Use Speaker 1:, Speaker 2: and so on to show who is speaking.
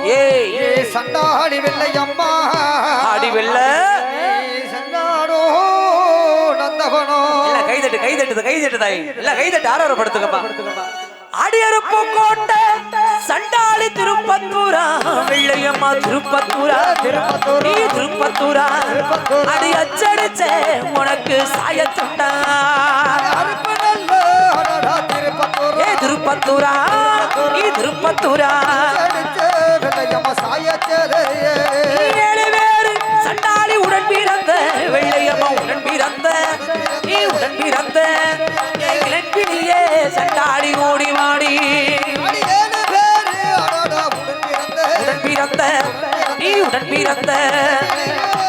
Speaker 1: ஏய் சண்டாடி வெள்ளை அம்மா
Speaker 2: ஆடி வெள்ள
Speaker 1: சண்டாடோ நந்தவனோ
Speaker 2: இல்ல கைதட்டு தாய் இல்ல கைதட்டு ஆரவரப்படுத்துங்கப்பா அடியறுப்பு கோட்டை சண்டாளி திருப்பத்தூரா வெள்ளையம்மா திருப்பத்தூரா நீ திருப்பத்தூரா அடி அச்சடிச்ச உனக்கு சாயத்துண்டா ஏ திருப்பத்தூரா நீ திருப்பத்தூரா ஏழு பேரு சண்டாளி உடன் பிறந்த வெள்ளையம்மா உடன் பிறந்த நீ உடன் பிறந்த இளப்பினியே சண்டாளி ஓடி வாடி உடன் பிறந்த நீ உடன் பிறந்த